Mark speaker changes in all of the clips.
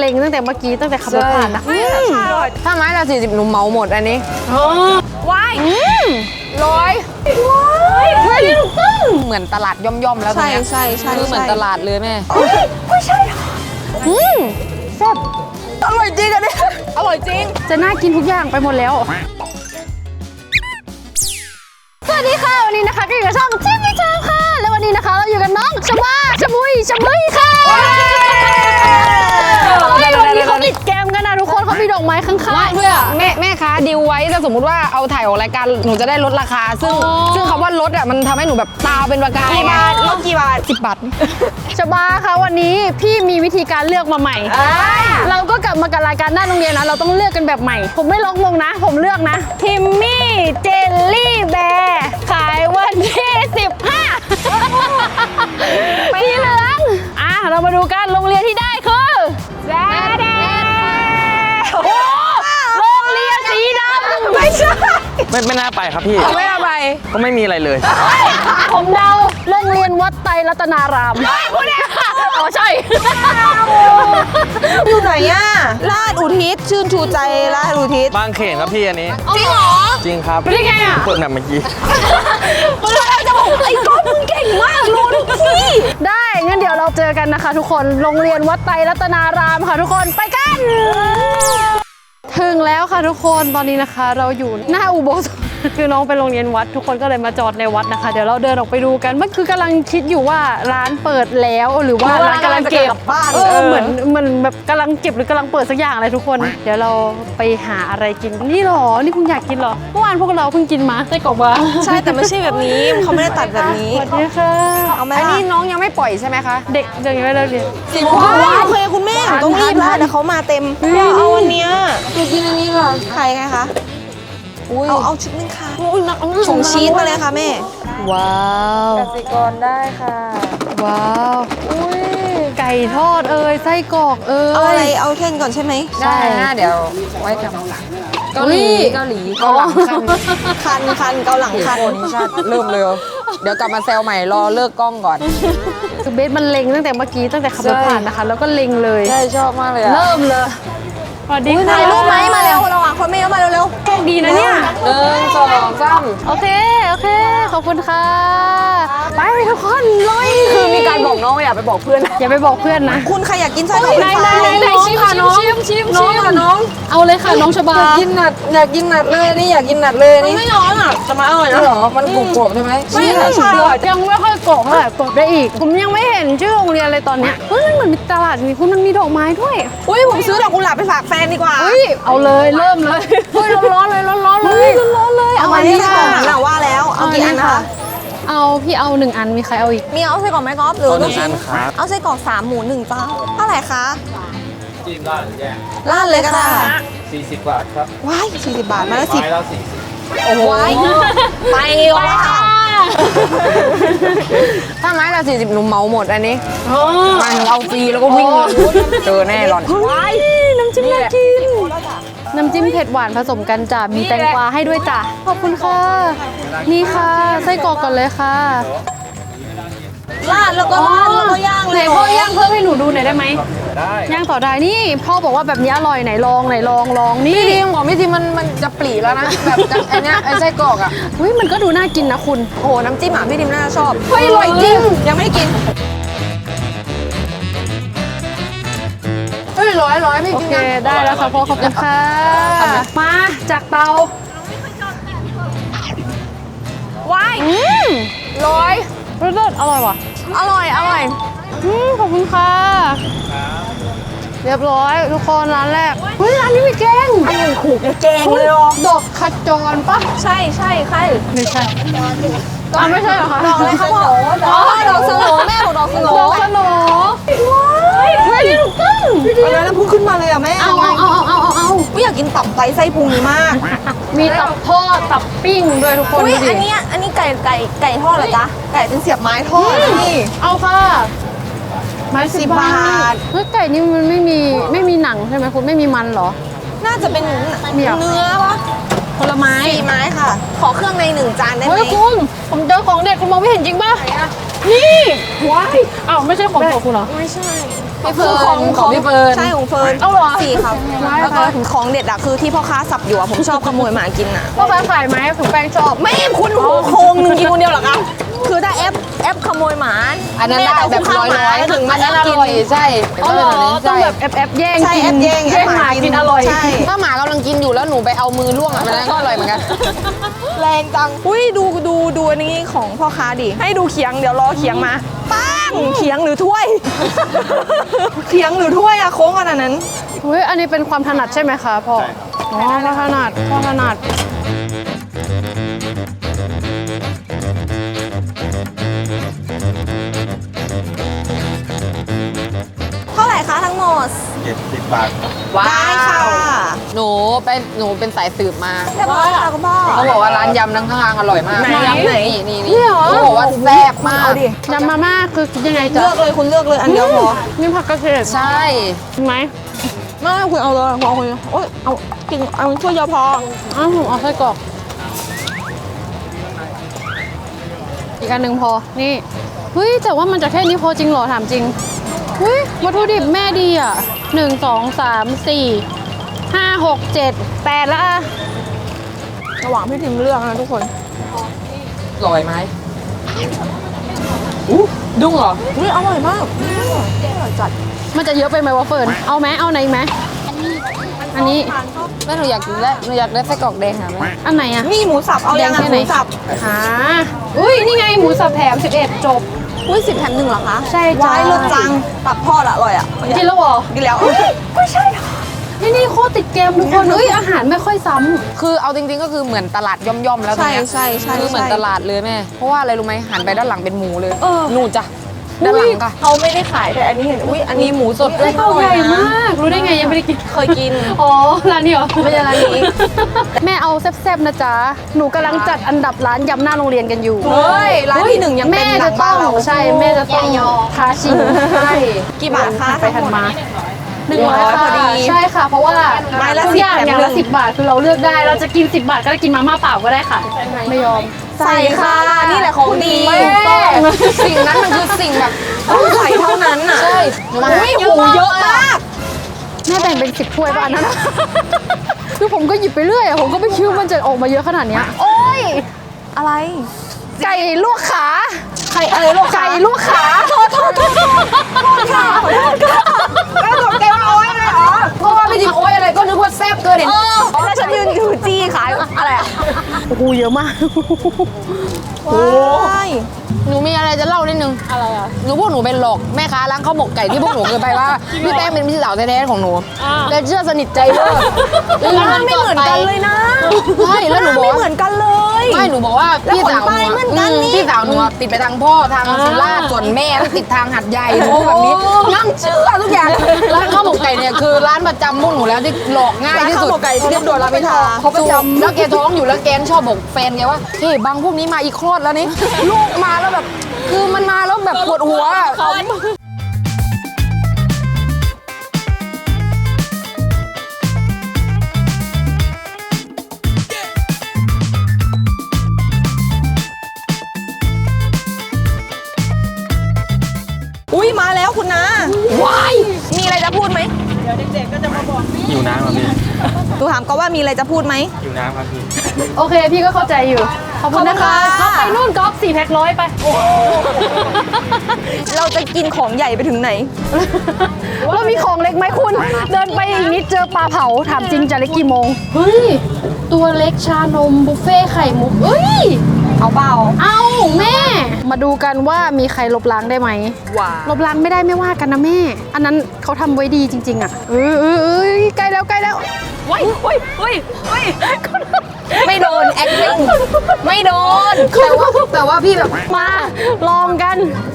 Speaker 1: ล็งตั้งแต่เมื่อกี้ตั้งแต่ขับรถผ่านนะ
Speaker 2: ถ้าไม้ละ40หนูเหมาหมดอันนี้
Speaker 1: ว้าย
Speaker 2: ร้อยเหมือนตลาดย่อมๆแล้วตรงนี้
Speaker 3: ใช่
Speaker 2: คือเหมือนตลาดเลยแม่
Speaker 1: ไม่ใช่แซ่บ
Speaker 2: อร่อยจริงอันนี้อร่อยจริง
Speaker 1: จะน่ากินทุกอย่างไปหมดแล้วสวัสดีค่ะวันนี้นะคะก็อยู่กับช่องชิมมิชาค่ะแล้ววันนี้นะคะเราอยู่กับน้องชบาชมุยค่ะวันนี้เขาติดแกมกันนะทุกคนเขามีดอกไม้ข้างๆด้วย
Speaker 2: แม่คะดิวไว้ถ้าสมมติว่าเอาถ่ายออกรายการหนูจะได้ลดราคาซึ่งคำว่าลดอ่ะมันทำให้หนูแบบตาเป็นประกายไง
Speaker 3: ลดกี่บาท
Speaker 2: 10 บาท
Speaker 1: ชบาค่ะวันนี้พี่มีวิธีการเลือกมาใหม่เราก็กลับมากับรายการหน้าโรงเรียนนะเราต้องเลือกกันแบบใหม่ผมไม่ล็อกมงนะผมเลือกนะทิมมี่เจลลี่แบร์ขายวันที่15สีเหลืองเรามาดูกันโรงเรียนที่ได้คือโรงเรียนสีดำไม่ใช่
Speaker 4: ไม่น่าไปครับพี่
Speaker 2: ไม่เอาไป
Speaker 4: ก็ไม่มีอะไรเลย
Speaker 1: ผมเดาโรงเรียนวัดไตรรัตนารามพูดเนี่ยใช่
Speaker 3: อยู่ไหนอ่ะลาดอุทิศชื่นชูใจลาดอุทิศ
Speaker 4: บางเขนครับพี่อันนี้
Speaker 3: จริงเหรอ
Speaker 4: จริงครับ
Speaker 1: ได้ไงอ่ะ
Speaker 4: เปิดแบบเมื่อกี้
Speaker 3: เราจะบอกไอ้ก้อนมึงเก่งมากรู้ทุกที่
Speaker 1: ได้งั้นเดี๋ยวเราเจอกันนะคะทุกคนโรงเรียนวัดไตรรัตนารามค่ะทุกคนไปกันถึงแล้วค่ะทุกคนตอนนี้นะคะเราอยู่หน้าอุโบสถคือน้องไปโรงเรียนวัดทุกคนก็เลยมาจอดในวัดนะคะเดี๋ยวเราเดินออกไปดูกันมันคือกำลังคิดอยู่ว่าร้านเปิดแล้วหรือว่าร้านกำลังเก็บเหมือนแบบกำลังเก็บหรือกำลังเปิดสักอย่างอะไรทุกคนเดี๋ยวเราไปหาอะไรกินนี่หรอนี่คุณอยากกินหรอเมื่อวานพวกเราเพิ่งกินมาไส้กรอกมา
Speaker 3: ใช่แต่ไม่ใช่แบบนี้เขาไม่ได้ตัดแบบนี้
Speaker 1: สวัสดีค่ะ
Speaker 3: เอาไหม
Speaker 2: อันนี้น้องยังไม่ปล่อยใช่ไหมคะ
Speaker 1: เด็กยังไม่เลิกเรียน
Speaker 3: โอเคคุณแม่ต้องรีบแล้วเดี๋ยวเขามาเต็มเอาวันนี้
Speaker 2: อยากกินอันนี้ค่ะ
Speaker 3: ใครไงคะเอาชุดนึงค่ะส่งชีสมาเลยค่ะแม่
Speaker 1: ว้าว
Speaker 2: กสิกรได้ค่ะ
Speaker 1: ว้าวอุ้ยไก่ทอดไส้กรอก
Speaker 3: เอาอะไรเอาเท่นก่อนใช่ไหม
Speaker 2: ได้นะเดี๋ยวไว้กับเกาหลีเกาหลัง
Speaker 3: คันเกาหลังคัน
Speaker 2: นี่ชาติเริ่มเลยเดี๋ยวกลับมาแซวใหม่รอเลิกกล้องก่อน
Speaker 1: คือเบสมันเล็งตั้งแต่เมื่อกี้ตั้งแต่ขับรถผ่านนะคะแล้วก็เล็งเลย
Speaker 2: ใช่ชอบมากเลย
Speaker 1: เริ่มเลยสวัสดีค่ะ
Speaker 3: ถ่ายรูปไหมมาเร็วระหว่างคนไม่เยอะมาเร็ว
Speaker 1: ๆโชคดีนะเนี่ย
Speaker 2: 1 2 3
Speaker 1: โอเคขอบคุณค่ะไปทุกคนลุย
Speaker 2: คือมีการบอกน้องอย่าไปบอกเพื่อน
Speaker 1: อย่าไปบอกเพื่อนนะ
Speaker 3: คุณใครอยากกินไส้กรอกไฟฟ้า
Speaker 1: ชิมน้องเอาเลยค่ะน้องชบา
Speaker 2: อยากกินหนัดเลยนี่อยากกินหนัดเลยนี่
Speaker 3: ไม่ร้อนอ่ะจะมาอร่อยนะ
Speaker 2: หรอมันกรุบๆใช่ไหม
Speaker 1: ไม่ใช่ยังไม่ค่อยกรอบเท่าไหร่กรอบได้อีกผมยังไม่เห็นชื่อโรงเรียนเลยตอนเนี้ยเฮ้ยมันเหมือนมีตลาดนี่คุณมันมีดอกไม้ด้วย
Speaker 3: อุ้ยผมซื้อดอกกุหลาบไปฝากแฟนดีกว่า
Speaker 1: เอาเลยเริ่มเลย
Speaker 2: เฮ้ยร้อนเลย
Speaker 3: เอามาที่ค่ะว่าแล้วเอากี่อันนะคะ
Speaker 1: เอาพี่เอา1 อันมีใครเอาอีก
Speaker 3: มีเอาไส้กรอกไหมก๊อฟหรือ
Speaker 4: 1 อันครับ
Speaker 3: เอาไส้กรอก3 หมู 1จ้าเท่าไหร่คะ
Speaker 4: จิ้มราดแยก
Speaker 3: ราดเลยก็ได้
Speaker 4: 40 บาทครับ
Speaker 3: ว้าย40 บาทมาแล้ว
Speaker 4: 10แล้ว
Speaker 3: โอ้โหไปว่ะ
Speaker 2: ถ้าไม้ละ40หนูเหมาหมดอันนี้มาหนูเอาฟรีแล้วก็วิ่งเจอแน่หล่อน
Speaker 1: น้ำจิ้มน่ากินน้ำจิ้มเผ็ดหวานผสมกันจ้ะมีแตงกวาให้ด้วยจ้ะขอบคุณค่ะนี่ค่ะไส้กรอกก่อนเลยค่ะ
Speaker 3: ราดแล้วก็ย่างเลย
Speaker 1: พ่อย่างเพิ่มให้หนูดูหน่อยได้ไหมย่างต่อได้นี่พ่อบอกว่าแบบนี้อร่อยไหนลองนี่
Speaker 2: พี่ทีมบอกพี่ทีมมันจะปรีแล้วนะแบบอันเนี้ยไอ้ไส้กรอกอ่ะ
Speaker 1: เฮ้ยมันก็ดูน่ากินนะคุณ
Speaker 3: โอ้น้ำจิ้มพี่ทีมน่าชอบ
Speaker 2: เฮ้ยอร่อยจริง
Speaker 3: ยังไม่ได้กิน
Speaker 2: ร้อยพี่กิน
Speaker 1: ได้แล้วค่ะพ่อขอบคุณค่ะมาจากเตา
Speaker 3: ว้าย
Speaker 1: รสอร่อยว่ะ
Speaker 3: อร่อย
Speaker 1: ขอบคุณค่ะเรียบร้อยทุกคนร้านแรกเฮ้ยร้านนี้มีแกง
Speaker 3: ขู่แกงเลย
Speaker 1: ดอกขจรปะ
Speaker 3: ใช่ใช่
Speaker 1: ไม่ใช่ไม่ใช่เหรอคะ
Speaker 3: ดอกอะไรคะดอกสโหนแม่บอกดอกสโหน
Speaker 1: เฮ้ยถูกต้อง
Speaker 3: แล้วพุ่งขึ้นมาเลยอ่ะแม่
Speaker 1: เอา
Speaker 3: ไม่อยากกินตับไส้พุงนี้มาก
Speaker 1: มีตับทอดตับปิ้งด้วยทุกคน
Speaker 3: อันนี้ไก่ทอดเหรอจ๊ะไก่เป็นเสียบไม้ทอดนี่
Speaker 1: เอาค่ะไม้10 บาทเฮ้ยไก่นี่มันไม่มีหนังใช่ไหมคุณไม่มีมันเหรอ
Speaker 3: น่าจะเป็นเนื้อปะ
Speaker 1: ผลไม้
Speaker 3: 4 ไม้ค่ะขอเครื่องใน1 จานได้ไหม
Speaker 1: เฮ้ยคุณผมเจอของเด็ดคุณมองไม่เห็นจริงป่ะนี่ว้ายอ้าวไม่ใช่ของโปรดคุณเหรอ
Speaker 3: ไม่ใช่
Speaker 2: พี่เฟิร์น
Speaker 3: ของ
Speaker 2: พี่เฟิร์น
Speaker 3: ใช่ของเฟิร์น
Speaker 1: เอาเหรอ
Speaker 3: 4ครับ แล้วก็ของเด็ดอะคือที่พ่อค้าสับอยู่อะผมชอบขโมยหมากินอะ
Speaker 1: พ่อค้าขายไหมถึงแป้งชอบ
Speaker 3: ไม่คุณหัวโคงหนึ่งกินคนเดียวเหรอครับคือถ้าแอปขโมยหมา
Speaker 2: อันนั้นได้แบบร้อยๆ
Speaker 3: ถึง
Speaker 2: อั
Speaker 3: มาน
Speaker 2: นั้นอ
Speaker 3: กิน
Speaker 2: ร่อยใช่
Speaker 1: อ๋อเหรอต้อ
Speaker 2: ใช่
Speaker 1: งแบบแอบแย่ง
Speaker 3: ใช่
Speaker 1: กิน
Speaker 3: แอปแย่ง
Speaker 1: หมากินอร่อย
Speaker 3: ใช่
Speaker 2: ถ้าหมากำลังกินอยู่แล้วหนูไปเอามือล่วงอ่ะมันนั้นก็อร่อยเหมือนกัน
Speaker 3: แรงจังอุ้ยดูอันนี้ของพ่อค้าดิให้ดูเขียงเดี๋ยวรอเขียงมาป้างเขียงหรือถ้วย เขียงหรือถ้วยอะโค้งขนาดนั้น
Speaker 1: เฮ้ยอันนี้เป็นความถนัดใช่ไหมคะพ่ออ๋อพ่อถนัดพ่อถนัด
Speaker 3: เท่าไหร่คะทั้งหมด
Speaker 4: 70 บาทครับ
Speaker 3: ได้ค่ะ
Speaker 2: หนูเป็นสายสืบมา
Speaker 3: เรียบร้อยค่ะคุณพ่อ
Speaker 2: เขาบอกว่าร้านยำทั้งข้างอร่อยมาก
Speaker 3: ไหนยำไหน
Speaker 2: นี่เขาบอกว่าแซ่บมาก
Speaker 3: เอาดิ
Speaker 1: ยำมาม่าคือคิดยังไง
Speaker 3: เลื
Speaker 1: จ๊ะ
Speaker 3: อกเลยคุณเลือกเลยอันเดียวพอ
Speaker 1: นี่ผักกระเฉด
Speaker 2: ใช่
Speaker 1: ไหม
Speaker 3: ไม่คุณเอาเลยพอคุณโอ๊ยเอากินเอาถ้วยเดียวพอ
Speaker 1: อ้าวผมเอาไส้กรอกอีกอันหนึ่งพอนี่เฮ้ยแต่ว่ามันจะแค่นี้พอจริงเหรอถามจริงเฮ้ยวัตถุดิบแม่ดีอ่ะ1 2 3 4 5 6 7 8แล้วอะ
Speaker 3: ระหว่างพี่ทิมเลือกนะทุกคน
Speaker 2: อร่อยไหมดุ้งเหรอ
Speaker 3: อุ้ยอร่อยมากอร่อยจัด
Speaker 1: มันจะเยอะไปไหมวะเฟิร์นเอาไหมเอาไหนไหมอันนี้
Speaker 2: แม่หนูอยากกินแล้วหนูอยากได้ไส้กรอกแดงค่ะแม่
Speaker 1: อันไหนอะ
Speaker 3: นี่หมูสับเอายัง
Speaker 1: แดง
Speaker 3: อ่ะ
Speaker 1: แค่
Speaker 3: ห
Speaker 1: ไหน
Speaker 3: มูสับ
Speaker 1: หาอุ้ยนี่ไงหมูสับแถม11จบ
Speaker 3: อุ้ย10 แถม 1เหรอคะ
Speaker 1: ใช่จ้ะ
Speaker 3: ว้ายรสจังตับทอดอะอร่อยอะ
Speaker 1: กินแล้วเหรอ
Speaker 3: กินแล้ว
Speaker 1: นี่โคตรติดเกมทุกคนเอ้ยอาหารไม่ค่อยซ้ำ
Speaker 2: คือเอาจริงๆก็คือเหมือนตลาดย่อมๆแล้วตรง
Speaker 3: ใช่
Speaker 2: เนี้ย
Speaker 3: ใช่ใช่
Speaker 2: คือเหมือนตลาดเลยแม่เพราะว่าอะไรรู้ไหมหันไปด้านหลังเป็นหมูเลย
Speaker 1: เออ
Speaker 2: นู่นจ้ะด้านหลังค่ะ
Speaker 3: เขาไม่ได้ขายแต่อันนี้เห็นอุ้ยอันนี้หมูสด
Speaker 1: ไส้กรอกใหญ่มาก รู้ได้ไงยังไม่ได้กิน
Speaker 3: เคยกิน
Speaker 1: อ๋อ ร้านนี้เหรอ
Speaker 3: ไม่ใช่ร้านนี้
Speaker 1: แม่เอาแซ่บๆนะจ๊ะ หนูกำลังจัดอันดับร้านยำหน้าโรงเรียนกันอยู่
Speaker 3: เฮ้ยร้านที่หนึ่งยังเป็น
Speaker 1: แม่
Speaker 3: หลั
Speaker 1: จะ
Speaker 3: ง
Speaker 1: ต้
Speaker 3: บ้า
Speaker 1: อน ง
Speaker 3: เรา
Speaker 1: ใช่แม่จะต้องท้าชิงใช่
Speaker 3: กี่บาทคะ
Speaker 1: ไปทันมา
Speaker 3: 100
Speaker 1: ค่ะ
Speaker 3: พอดี
Speaker 1: ใช่ค่ะ เพราะว่า
Speaker 3: ไม้ละ
Speaker 1: ทุกอย่าง
Speaker 3: 10
Speaker 1: อย่างละ10 บาทคือเราเลือกได้ เราจะกิน 10 บาทก็ได้กินมาม่าเปล่าก็ได้ค่ะ ไม่ยอม
Speaker 3: ใส่ค่ะนี่แหละของดี
Speaker 2: แม่สิ่งนั้นมันคือสิ่งแบบ
Speaker 3: ต้องใส่เท่านั้นน่ะ
Speaker 2: ใช่หนูมา
Speaker 3: อุ้ยหูเยอะมาก
Speaker 1: แม่แบ่งเป็น10ถ้วยป่ะอันนั้น คือผมก็หยิบไปเรื่อยอะผมก็ไม่คิดว่ามันจะออกมาเยอะขนาดเนี้ยโอ้ย
Speaker 3: อะไร
Speaker 1: ไก่ลวกขา
Speaker 3: ใครอะไรลูก
Speaker 1: ไก่ลวกขา
Speaker 3: โทษค่ะขอโทษค่ะแล้วตกใจว่าโอ๊ยเลยเหรอ
Speaker 2: เพราะว่าไม่จริงโอ๊ยอะไรก็นึกว่าแซ่บเกินเห็น
Speaker 3: แล้วฉันยืนถือจี้ขายอะไรอ่ะ
Speaker 1: โอ้โหเยอะมาก
Speaker 3: ว้าย
Speaker 2: หนูมีอะไรจะเล่านิดนึงอะไรอ่ะหนูพวกหนูเป็นหลอกแม่ค้าร้านข้าวหมกไก่ที่พวกหนูเคยไปว่าพี่แป้งเป็นพี่สาวแท้ๆของหนูและเชื่อสนิทใจเลิก
Speaker 3: มันไม่เหมือนกันเลยนะ
Speaker 2: ใช่แล้วหนูบอก
Speaker 3: ไม่
Speaker 2: ว่า
Speaker 3: เหมือนกันเลย
Speaker 2: ไม่หนูบอกว่าพี่สาวหนู
Speaker 3: แล้วขนไปเหมือนกันนี่
Speaker 2: พี่สาวหนูติดไปทางพ่อทางสุราษฎร์ส่วนแม่ติดทางหัดใหญ่หนูแบบนี้นั่งเชื่อทุกอย่างร้านข้าวหมกไก่เนี่ยคือร้านประจำพวกหนูแล้วที่หลอกง่ายที่สุด
Speaker 3: ร้านข้าวหมกไก่เรียบด่วนรามอินทรา
Speaker 2: เขาประจำแล้วแกท้องอยู่แล้วแกชอบบอกแฟนแกว่าเฮ้ยบางพวกนี้มาอีกคลอดแล้วนี่ ลูกมาแล้วแบบคือมันมาแล้วแบบปวดหัวอะ
Speaker 3: อุ้ยมาแล้วคุณนะว้ายมีอะไรจะพูดไหม
Speaker 4: อยู่น้ำครับพี่
Speaker 3: ดูถามก็ว่ามีอะไรจะพูดไหม
Speaker 4: อยู่น้ำครับพี่
Speaker 1: โอเค พี่ก็เข้าใจอยู่ ขอบคุณนะคะ
Speaker 3: ขอบคุณค่ะ
Speaker 1: เข้าไปนู่นก๊อฟ4 แพ็ค100ไป
Speaker 3: เราจะกินของใหญ่ไปถึงไหน
Speaker 1: แล้วมีของเล็กไหมคุณ เดินไปอีกนิดเจอปลาเผา ถามจริงจะเล็กกี่โมง เฮ้ย ตัวเล็กชานมบุฟเฟ่ไข่มุกเอ้ย
Speaker 3: เอาเปล่า
Speaker 1: เอาแม่ มาดูกันว่ามีใครลบล้างได้ไหม
Speaker 3: ว้า
Speaker 1: ลบล้างไม่ได้ไม่ว่ากันนะแม่ อันนั้นเขาทำไว้ดีจริง ๆ อ่ะใกล้แล้วใกล้แล้วว้ายว้ายว้ายว้าย
Speaker 3: ไม่โดน acting ไม่โดน
Speaker 2: แต่ว่าพี่แบบ
Speaker 1: มาลองกัน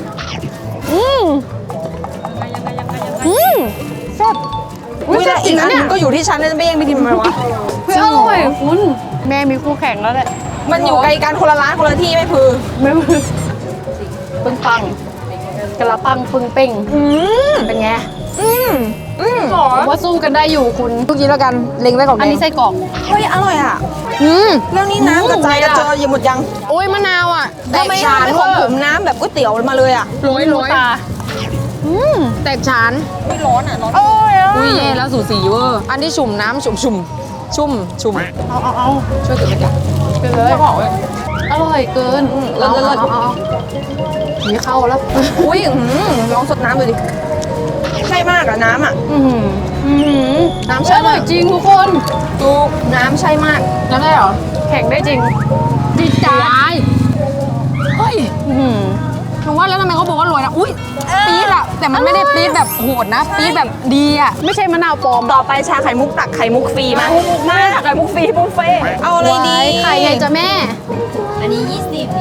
Speaker 1: แซ่บ
Speaker 3: อุ้ยแล้วอีกอันหนึงก็อยู่ที่ฉันนะไม่แย่งพี่ทิมทำไมวะ
Speaker 1: เฮ้ยอร่อยคุณแม่มีคู่แข่งแล้วแหละ
Speaker 3: มันอยู่ไกลกันคนละร้านคนละที่ไม่พือ
Speaker 1: ไม่มือปึ้งปังกระปังปึ้งเป้งเป็นไงผมว่าสู้กันได้อยู่คุณ
Speaker 2: ทุกทีแล้วกันเล็งไว้ก่อน
Speaker 1: อันนี้ไส้กรอก
Speaker 3: เฮ้ยอร่อยอ่ะ แล้วนี่น้ำกระจายกระเจออยู่หมดยัง
Speaker 2: โอ้ยมะนาวอ่ะแต
Speaker 3: ทำ
Speaker 2: ก
Speaker 3: ไม
Speaker 2: ฉาน
Speaker 3: ไม่
Speaker 2: เว
Speaker 3: ของ
Speaker 2: อ
Speaker 3: ผม
Speaker 2: ร์
Speaker 3: น้ำแบบก๋วยเตี๋ยวมาเลยอ่ะ
Speaker 1: โรยตา
Speaker 2: แตกฉาน
Speaker 3: ไม่ร้อนอ่ะร้อน
Speaker 1: โอ้ย
Speaker 2: อุ้ยเย่แล้วสูสีเวอร์อันที่ชุ่มน้ำชุ่ม
Speaker 1: เอา
Speaker 2: ช่วยกินเลยจ้ะ
Speaker 1: ไปเลยอร่อยเกินเอามีเข้าแล้ว
Speaker 3: อุ้ยลองสดน้ำดูดิใช่มากอะน้ำอะ
Speaker 1: น้ำใช่อร่อยจริงทุกคน
Speaker 3: ดูน้ำใช่มาก
Speaker 2: น้ำได้เหรอ
Speaker 1: แข่งได้จริงดีจ้า
Speaker 2: เฮ้ยหนูว่าแล้วทำไมเขาบอกว่าโรยนะอุ้ยปี๊ดอะแต่มันไม่ได้ปี๊ดแบบโหดนะปี๊ดแบบดีอะ
Speaker 1: ไม่ใช่มะนาวปลอม
Speaker 3: ต่อไปชาไข่มุกตักไข่มุกฟรีมามาไข่มุกฟรีบุฟเฟ่ต์เอาอะไรดี
Speaker 1: ไข่ไงจ้ะแม่
Speaker 5: อันนี้ 20นี่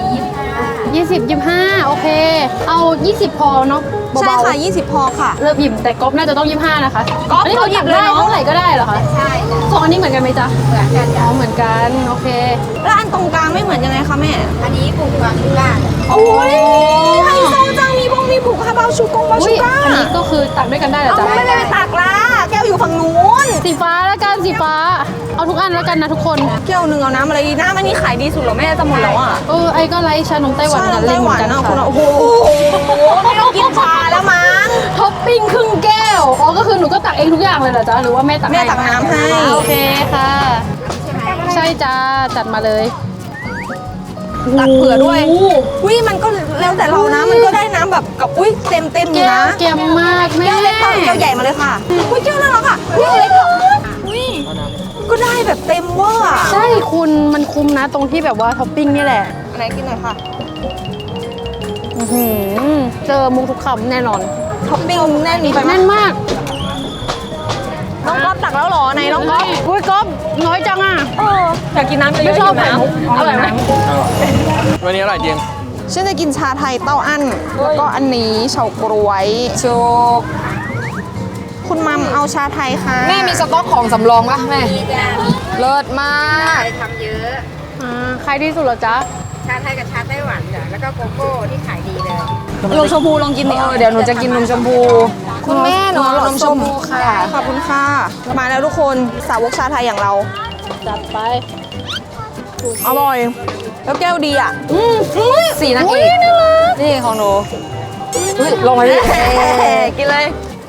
Speaker 5: 25
Speaker 1: 20 25 โอเค เอา 20 พอเนาะ
Speaker 3: ใช่
Speaker 1: เบา
Speaker 3: ค่ะ20 พอค่ะ
Speaker 1: ๆเริ่มหยิบแต่ก๊อฟน่าจะต้อง 25 นะคะ
Speaker 3: ก๊อฟ
Speaker 1: อันนี้
Speaker 3: เขาหยิบเลย
Speaker 1: ได้
Speaker 3: เนอะ
Speaker 1: เท่าไหร่ก็ได้เหรอคะ
Speaker 5: ใช่จ้ะ
Speaker 1: สองอันนี้เหมือนกันไหมจ๊ะ
Speaker 5: เหมือนกันจ้ะ
Speaker 1: อ๋อเหมือนกันโอเค
Speaker 3: แล้วอันตรงกลางไม่เหมือนยังไงคะแม่
Speaker 5: อันนี้ปลูกความก้าน
Speaker 3: โอ้ยไฮโซจังมีผูกคาบาวชูกงบา
Speaker 1: อุ้
Speaker 3: ชู
Speaker 1: ย
Speaker 3: ก้า
Speaker 1: อันนี้ก็คือตักด้วยกันได้เหรอ
Speaker 3: เอา
Speaker 1: จ๊ะ
Speaker 3: ไม่ได้ไปตักละแก้วอยู่ฝั่งนู้น
Speaker 1: สีฟ้าแล้วกันสีฟ้า เอาทุกอันแล้วกันนะทุกคน
Speaker 3: แก้วหนึ่งเอาน้ำอะไรดีน้ำอันนี้ขายดีสุดเหรอแม่จะหมดแล้วอ่ะ
Speaker 1: ไอ้ก็ไลค์ชานมไต้หวัน
Speaker 3: ชา
Speaker 1: กัน
Speaker 3: ไต้
Speaker 1: เล่น
Speaker 3: ห
Speaker 1: เหมื
Speaker 3: วั
Speaker 1: อน นกัน
Speaker 3: อ่ะ
Speaker 1: ค่ะ
Speaker 3: คุณโอ้โหไม่ต้องกินชาแล้วมั้ง
Speaker 1: ท็อปปิ้งครึ่งแก้ว อ๋อ ก็คือหนูก็ตักเองทุกอย่างเลยเหรอจ๊ะ หรือว่าแม่ตักให้
Speaker 3: แม่ตักน้ำให้
Speaker 1: โอเคค่ะ ใช่จ้า จัดมาเลย
Speaker 3: ตักเผื่อด้วย
Speaker 1: โอ้โห
Speaker 3: อุ้ยมันก็แล้วแต่เรานะ มันก็ได้น้ำแบบกับอุ้ยเต็มอยู่
Speaker 1: แก้ว
Speaker 3: นะ
Speaker 1: เกมมากแม่
Speaker 3: แก้วเล็กค่ะแก้วใหญ่มาเลยค่ะอุ้ยแก้วน่ารักอ่ะอุ้ยเล็กอุ้ยก็ได้แบบเต็มเวอร์อะ
Speaker 1: ใช่คุณมันคุ้มนะตรงที่แบบว่าท็อปปิ้งนี่แหละ
Speaker 3: อันไหนกินหน่อยค่ะ
Speaker 1: อื้อหือเจอมุกทุกคำแน่นอน
Speaker 3: ท็อปปิ้งแน่นไปไหม
Speaker 1: แน่นมาก
Speaker 3: น้องก๊อฟตักแล้วเหรอไหนน้องก๊อฟ
Speaker 1: อุ้ยก๊อฟน้อยจังอ่ะ
Speaker 3: อยากกินน้ำเยอะๆ
Speaker 1: ไม่ชอบ
Speaker 3: หิวน้
Speaker 1: ไข่มุก
Speaker 3: ำอร่อยไหม
Speaker 4: วันนี้อร่อยจริง
Speaker 3: ฉันจะกินชาไทยเต้าอั้นแล้วก็อันนี้เฉาก๊วย
Speaker 2: โชก
Speaker 3: คุณมัมเอาชาไทยค่ะ
Speaker 2: แม่มีสต็อกของสำรองปะแม่
Speaker 5: นี่จ้ะ
Speaker 2: เลิศมาก
Speaker 5: ได้ทำเยอะ
Speaker 1: ใครที่สุดเหรอจ๊ะ
Speaker 5: ชาไทยกับชาไต้หวันจ้ะแล้วก็โกโก้ที่ขายดีเลย
Speaker 3: นมชมพูลองกินดิ
Speaker 2: เดี๋ยวหนูจะกินนมชมพู คุณแม่หนูเอานมชมพูค่ะ
Speaker 3: ขอบคุณค่ะมาแล้วทุกคนสาวกชาไทยอย่างเรา
Speaker 1: จัดไป
Speaker 3: อร่อย แล้วแก้วดีอ่ะ
Speaker 2: สีนางเอกนี่ของหนูอุ้ยลงมาดิ
Speaker 3: กินเลย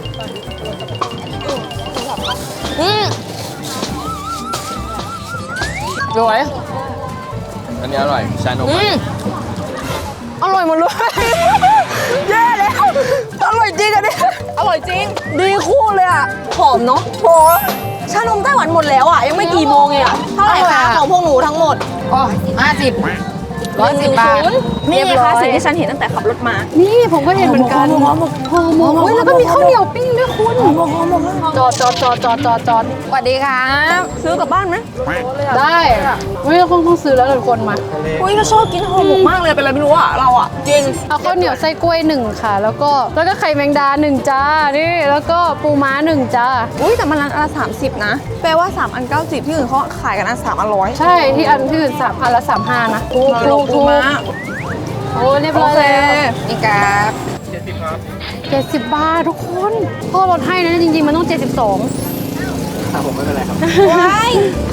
Speaker 2: สวย
Speaker 4: อันนี้อร่อย ชานม
Speaker 3: อร่อยหมดเลย แย่แล้ว อร่อยจริงอันนี้อร่อยจริง ดีคู่เลยอ่ะ หอมเนาะโหชานมไต้หวันหมดแล้วอ่ะ ยังไม่กี่โมงเองอ่ะ เท่าไหร่คะของพวกหนูทั้งหมด
Speaker 2: อ๋อ50 110 บาท
Speaker 3: นี่ไง
Speaker 2: เรียบร้
Speaker 3: คะ
Speaker 2: อย
Speaker 3: สิ่งที่ฉันเห็นตั้งแต่ขับรถมา
Speaker 1: นี่ผมก็เห็นเหมือนกันห่อหมกอุ้ยแล้วก็มีข้าวเหนียวปิ้งด้วยคุณจอด
Speaker 2: สวัสดีครับ
Speaker 3: ซื้อกลับบ้านไหม
Speaker 1: ได้ไม่ต้องซื้อแล้วทุกคนมา
Speaker 3: อุ้ยเราชอบกินห่อหมกมากเลยเป็นอะไรไม่รู้อ่ะเราอ่ะจริง
Speaker 1: เอาข้าวเหนียวไส้กล้วย1ค่ะ แล้วก็ไข่แมงดา1จ้า นี่ แล้วก็ปูม้า1จ้า
Speaker 3: อุ้ยแต่มันร้านอันละ30 นะ แปลว่า3อัน90ที่อื่นเขาขายกันอัน3อัน100
Speaker 1: ใช่ ที่อันที่อื่น3,000ละ35นะถูก
Speaker 3: เราปูม้า
Speaker 1: โอ้เรียบ
Speaker 3: โอ
Speaker 1: ร้อย
Speaker 3: เค
Speaker 1: แล้ว
Speaker 2: นี่ครับ
Speaker 1: 70 บาททุกคนพ่อลดให้นะจริงๆมันต้อง 72
Speaker 4: ผมไม่เป็นไรครับ
Speaker 3: ว้าย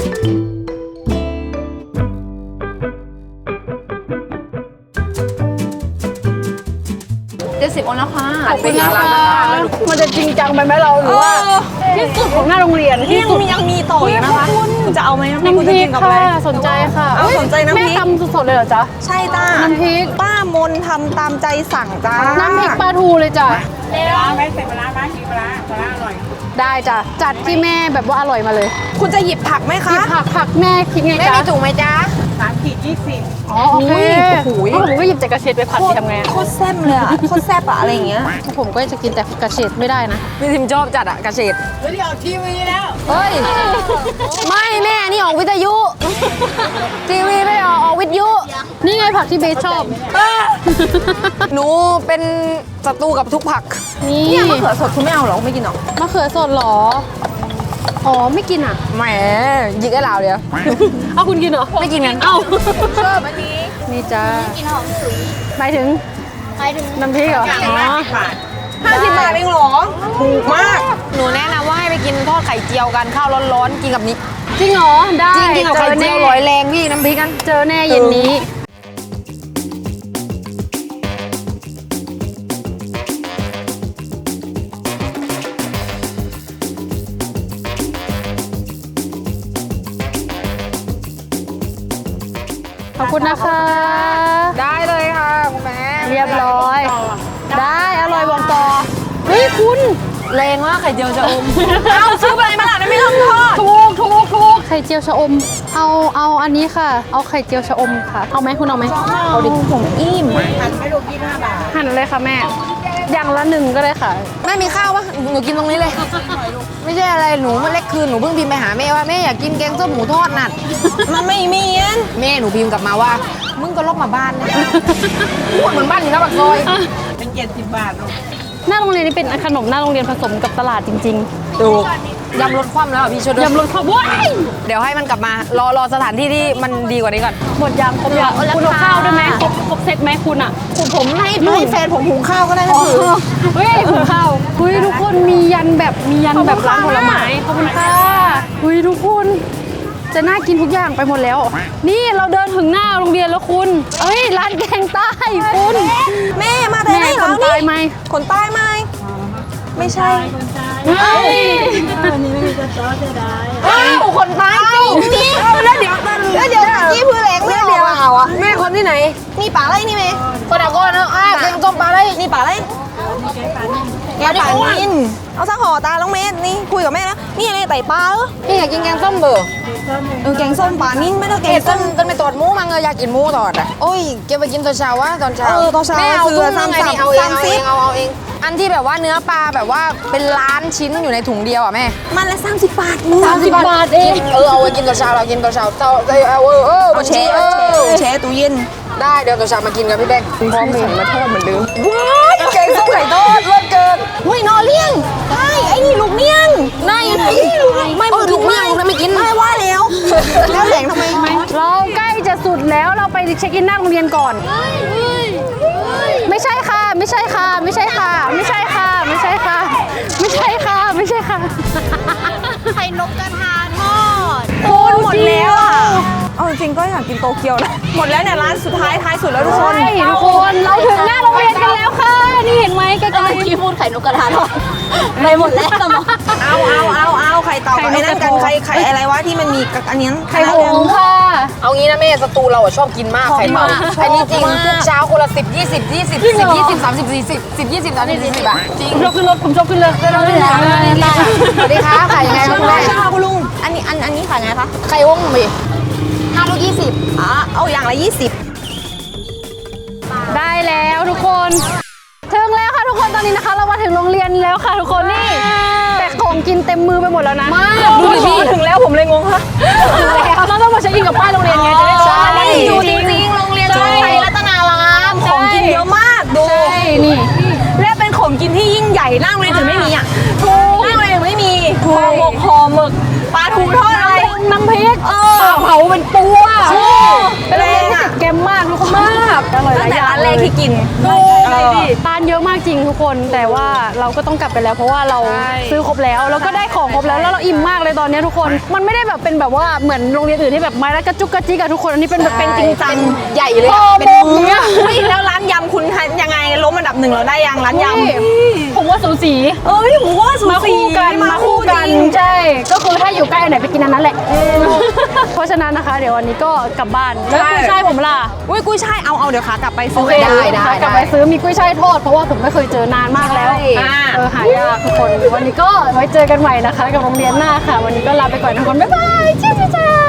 Speaker 3: 70เอานะคะ
Speaker 1: ขอบคุณนะคะมันจะจริงจังไปไหมเราหรือว่าที่สุดของหน้าโรงเรียน
Speaker 3: ที่
Speaker 1: ที่
Speaker 3: ยัง
Speaker 1: สุด
Speaker 3: มีต่ออีกนะคะคุณจะเอาไหมน้ำพริกคุณ
Speaker 1: น้ำพ
Speaker 3: จะ
Speaker 1: ริ
Speaker 3: กิ
Speaker 1: ก
Speaker 3: นกับอะไร
Speaker 1: ค่ะสนใจค่ะ
Speaker 3: เอาสนใจน้ำพริก
Speaker 1: แม่ทำสดๆเลยเหรอจ๊ะ
Speaker 3: ใช่จ้า
Speaker 1: น้ำพริก
Speaker 3: ป้ามนทำตามใจสั่งจ้า
Speaker 1: น้ำพริกปลาทูเลยจ้ะ
Speaker 6: ไม่ใส่ปลาร้าบ้างกินปลาร้าอร่อย
Speaker 1: ได้จ้ะจัดที่แม่แบบว่าอร่อยมาเลย
Speaker 3: คุณจะหยิบผักไหม
Speaker 1: หยิ
Speaker 3: คะ
Speaker 1: บผักแม่คิดไง
Speaker 2: แม่
Speaker 1: จ๊ะ
Speaker 2: มีถุงไหมจ๊ะ
Speaker 6: 3 ขีด 20
Speaker 1: อ๋อโอเค
Speaker 3: โอ้โห
Speaker 1: ถ้าผมก็หยิบแต่กระเฉดไปผัดสิทำไงอะ
Speaker 3: โคตรแซ่บเลยอะโคตรแซ่บอะอะไรอย่างเงี้ย
Speaker 1: ผมก็จะกินแต่กระเฉดไม่ได้นะ
Speaker 2: พี่ทิมชอบจัดอะกระเฉด
Speaker 6: ไม่ได้ออกทีวีแล้ว
Speaker 2: เฮ้ย ไม่แม่นี่ออกวิทยุ ทีวีไม่ได้ออกวิทยุ
Speaker 1: นี่ไงผักที่เบสชอบ
Speaker 2: หนูเป็นศัตรูกับทุกผัก
Speaker 1: นี่
Speaker 3: เนี่ยมะเขือสดคุณไม่เอาเหรอไม่กินหรอ
Speaker 1: มะเขือสดเหรอ อ๋อไม่กินอ่ะ
Speaker 2: แหมหยิกไอ้เหล่าเดียว
Speaker 1: เอาคุณกินเหรอ
Speaker 2: ไม่กินกัน
Speaker 1: เอ้า
Speaker 3: ชอบอันนี้
Speaker 1: นี่จ้า
Speaker 5: กินหอมสุย
Speaker 1: หมายถึง
Speaker 5: ไปถึง
Speaker 1: น้ำพริกเหรอ อ๋อ
Speaker 3: 50 บาทเองเหรอ ถูกมาก
Speaker 2: หนูแนะนำว่าให้ไปกินทอดไข่เจียวกันข้าวร้อนๆกินกับนี้
Speaker 1: จริงเหรอ ได้
Speaker 2: จริงกินกับไข่เจียวร้อยแรงพี่น้ำพริกกัน
Speaker 1: เจอแน่เย็นนี้ขอบคุณนะคะ
Speaker 2: ได้เลยค่ะคุณแม่
Speaker 1: เรียบร้อย ได้อร่อยบอกต่อเฮ้ยคุณ
Speaker 3: แรงมากไข่เจียวจะอม เอาซื้อไปมาล่ะไม่ต้องทอด
Speaker 1: ถูกไข่เจียวชะอม เอาอันนี้ค่ะ เอาไข่เจียวชะอมค่ะ เอาไหมคุณเอาไหมเอาดิ
Speaker 3: ผมอิ่ม
Speaker 1: หั่นเลยค่ะแม่ อย่างละหนึ่งก็ได้ค่ะ
Speaker 2: แม่มีข้าวปะหนูกินตรงนี้เลย ไม่ใช่อะไรหนูเมื่อเล็กคืนหนูเพิ่งพิมพ์ไปหาแม่ว่าแม่อยากกินแกงส้มหมูทอดนัด
Speaker 3: มันไม่มีอัน
Speaker 2: แม่หนูพิมพ์กลับมาว่ามึงก็ลอกมาบ้านนะพูดเหมือนบ้านอยู่หน้าปากซอย
Speaker 6: เป็น70 บาทลูก
Speaker 1: หน้าโรงเรียนนี่เป็นขนมหน้าโรงเรียนผสมกับตลาดจริง
Speaker 2: ดูยำรสคว่ำแล้วอ่ะพี่ช่วย
Speaker 1: ๆ
Speaker 2: ด้วย
Speaker 1: ยำรสข้าวว้าย
Speaker 2: เดี๋ยวให้มันกลับมารอสถานที่ที่มันดีกว่านี้ก่อน
Speaker 1: หมดยางครบยังคุณเอาข้าวด้วยไหมครบเซตไหมคุณอ่ะ
Speaker 3: ผมให้แฟนผมหุงข้าวก็ได้นะคือ
Speaker 1: เฮ้ยหุงข้าวเฮ้ยทุกคนมียันแบบร้านผลไม้ขอบคุณค่ะเฮ้ยทุกคนจะน่ากินทุกอย่างไปหมดแล้ว นี่เราเดินถึงหน้าโรงเรียนแล้วคุณเอ้ยร้านแกงใต้คุณ
Speaker 3: แม่มาแต่ไหน
Speaker 1: แม่
Speaker 3: เห
Speaker 1: ค
Speaker 3: รอน
Speaker 1: ใต้ไหม
Speaker 3: คนใต้ไหมไม่ใช่
Speaker 1: เฮ้ย
Speaker 3: อ้าวคนใต้จริงแล้วเดี๋ยวนี่พื้นแหลงไม่เดียวอ่ะ
Speaker 2: แม่คนที่ไหน
Speaker 3: นี่ป่าไรนี่เมย์
Speaker 2: คนอ่ะก้อนเนาะแกงส้มปลาได้
Speaker 3: นี่ป่าไรแกป่านินเอาสักห่อตาลงเมย์นี่คุยกับแม่นะนี่อะไรไต่ปลาเหรอ
Speaker 2: พี่อยากกินแกงส้มเบอร์
Speaker 3: แกงส้มป่านินไม่ต้องแก
Speaker 2: เก
Speaker 3: ง
Speaker 2: ต้
Speaker 3: ส้
Speaker 2: น
Speaker 3: ม
Speaker 2: ต้นไปตอดหมูมังอยากกินหมูตอดอ่ะโอ้ยเก็บไปกินตอนเช้าวะตอนเช้า
Speaker 3: ตอนเช้า
Speaker 2: แม่เอา
Speaker 3: คือ
Speaker 2: ตุ้งนึงไงนี่เอาเอง
Speaker 3: 30
Speaker 2: เอาเองอันที่แบบว่าเนื้อปลาแบบว่าเป็นล้านชิ้นอยู่ในถุงเดียวอ่ะแม่
Speaker 3: มันละ30 บาท
Speaker 1: 30 บาทเอง
Speaker 2: เอาไว้กินตอนเช้าเรากินตอนเช้าบัญชี
Speaker 3: แช่ตู้เย็น
Speaker 2: ได้เดี๋ยวตอนเช้ามากินกันพี่แบงค์พร้อมเลยมาทอดเหมือนเดิม
Speaker 3: ว้ายแกงส้มไข่ทอดเลิศเกินหุ้ยนอเลี้ยงใช่ไอ้นี่ลูกเนียง
Speaker 2: น่าอยู่ไหน
Speaker 3: ไม่
Speaker 2: ลูกเนี่ยไม่กิน
Speaker 3: ไม่ว่าแล้วแล้วแหลงทำไม
Speaker 1: เราใกล้จะสุดแล้วเราไปเช็คอินหน้าโรงเรียนก่อน ไม่ใช่ค่ะ ไม่ใช่ค่ะ ไม่ใช่ค่ะ ไม่ใช่ค่ะ ไม่ใช่ค่ะ ไม่ใช่ค่ะ ไม่ใช่ค่ะ
Speaker 3: ไข่นกกระทาทอดคุณหมดแล้วอ่ะเอาจริงๆก็อยากกินโตเกียวนะหมดแล้วเนี่ยร้านสุดท้ายท้ายสุดแล้วทุกคน
Speaker 1: ใช่ทุกคนเราถึงหน้าโรงเรียนกันแล้วค่ะ นี่เห็นไหมใกล้ๆ
Speaker 3: ที่พูดไข่นกกระทาทอดไปหมดแล้วเอาไข่เต่ากับไอ้นั่นกันไข่อะไรวะที่มันมีกับอันนี้
Speaker 1: ไข่หงส์ค่ะ
Speaker 2: เอางี้นะแม่สตูเราชอบกินมากไข่เต่าอันนี้จริงทุกเช้าคนละ10 20 20 10 20 30 40 10 20 30 40อ่ะจริง
Speaker 1: ผมชอบขึ้นรถผมชอบขึ้นเลย
Speaker 2: สวัสดีค่ะขายยังไงครับคุณแม่
Speaker 3: ใช่ค่ะคุณลุงอันนี้ขายไงคะ
Speaker 2: ไข่วงมี5 ลูก 20
Speaker 3: เอาอย่างละ 20
Speaker 1: ได้แล้วทุกคนถึงแล้วค่ะทุกคนตอนนี้นะคะ เรามาถึงโรงเรียนแล้วค่ะทุกคนนี่แต่ของกินเต็มมือไปหมดแล้วนะ
Speaker 3: ดูดิถึงแล้วผมเลยงงค่ะ
Speaker 1: เราต้องมาเช็คอินกับป้ายโรงเรียนไงจะได้รู้ว่า
Speaker 3: อยู่จริงๆโรงเรียนไทยรัตนารามของกินเยอะมากดู
Speaker 1: ใช่นี่
Speaker 3: และเป็นของกินที่ยิ่งใหญ่หน้าโรงเรียนถึงไม่มีอ่ะหน้าโรงเรียนไม่มีห่อหมกห่อหมึกปลาทูทอดอะไร
Speaker 1: น้ำพริก
Speaker 3: ปลาเผาเป็นตัวเป็นแรงอ่ะ
Speaker 1: เกมมากทุกคนมากอร่อยห
Speaker 3: ตั้
Speaker 1: ลาง ย
Speaker 3: แต่
Speaker 1: อย่าง
Speaker 3: ร้านแรกที่กิน
Speaker 1: ทานเยอะมากจริงทุกคนแต่ว่าเราก็ต้องกลับไปแล้วเพราะว่าเราซื้อครบแล้วแล้วก็ได้ของครบแล้วแล้วเราอิ่มมากเลยตอนนี้ทุกคนมันไม่ได้แบบเป็นแบบว่าเหมือนโรงเรียนอื่นที่แบบไม้ละกระจุกกระจิกอะทุกคนอันนี้เป็นแบบเป็นจริงจัง
Speaker 2: ใหญ่เลย
Speaker 1: เป็นมื้อ
Speaker 3: เฮ้ยแล้วร้านยำคุณยังไงล้มอันดับ1เราได้ยังร้านยำ
Speaker 1: ผมว่าสูสี
Speaker 3: ผมว่าสู
Speaker 1: มา
Speaker 3: สี
Speaker 1: คู่กันมาคู่กันใช่ก็คือถ้าอยู่ใกล้อันไหนไปกินอันนั้นแหละเพราะฉะนั้นนะคะ เดี๋ยววันนี้ก็กลับบ้านแล้วกุ้ยช่ายผมล่ะ
Speaker 3: อุ้ยกุ้ยช่ายเอาเดี๋ยวขากลับไปซื้อ
Speaker 2: ได้
Speaker 1: กลับไปซื้อมีกุ้ยช่ายทอดเพราะว่าผมไม่เคยเจอนานมากแล้วหายากทุกคนวันนี้ก็ไว้เจอกันใหม่นะคะกับโรงเรียนหน้าค่ะ วันนี้ก็ลาไปก่อนทุกคนบ๊ายบายเจ้า